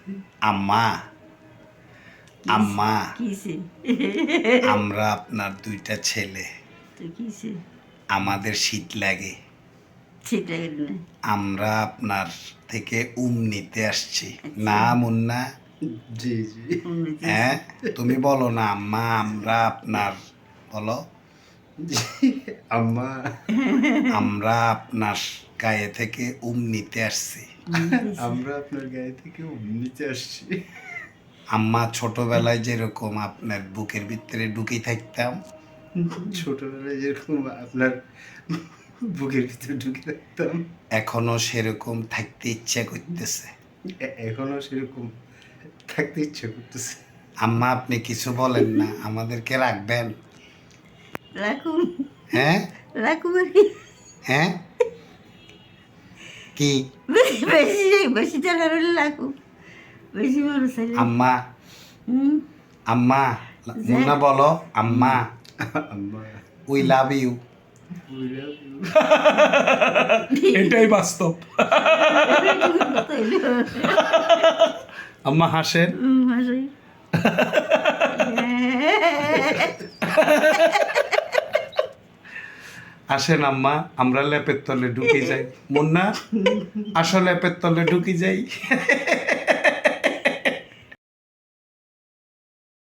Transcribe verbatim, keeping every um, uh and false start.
আম্মা আম্মা কিসে আমরা আপনার দুইটা ছেলে, তো কিসে আমাদের শীত লাগে, শীত লাগে না? আমরা আপনার থেকে উম নিতে আসছি। আচ্ছা। না মুন্না, জি জি উন্নতি হ্যাঁ আছে। তুমি বলো না আম্মা আমরা আপনার, বলো জি আম্মা আমরা আপনার গায়ে থেকে উম নিতে আসছি। উন্নতি আছে। আমরা আপনার গায়ে থেকে নিচে আসছি। আম্মা ছোটবেলায় যেরকম আপনার বুকের ভিতরে ঢুকে থাকতাম, ছোটবেলায় যেরকম আপনার বুকের ভিতরে ঢুকে রাখতাম, এখনো সেরকম থাকতে ইচ্ছা করতেছে। এ- এখনো সেরকম থাকতে ইচ্ছে করতেছে। আম্মা আপনি কিছু বলেন না, আমাদেরকে রাখবেন? রাখুন হ্যাঁ রাখুন আর কি। হ্যাঁ কি বেশি বেশি বেশি টাকা হলে রাখুন, বেশি মানুষ হলে আম্মা হুম আম্মা মুন্না বলো আম্মা আম্মা we love you. we love you. এটাই বাস্তব। আম্মা হাসেন। হুম, হাসি। আসেন আম্মা আমরা লেপের তলে ঢুকে যাই। মুন্না আসো লেপের তলে ঢুকে যাই।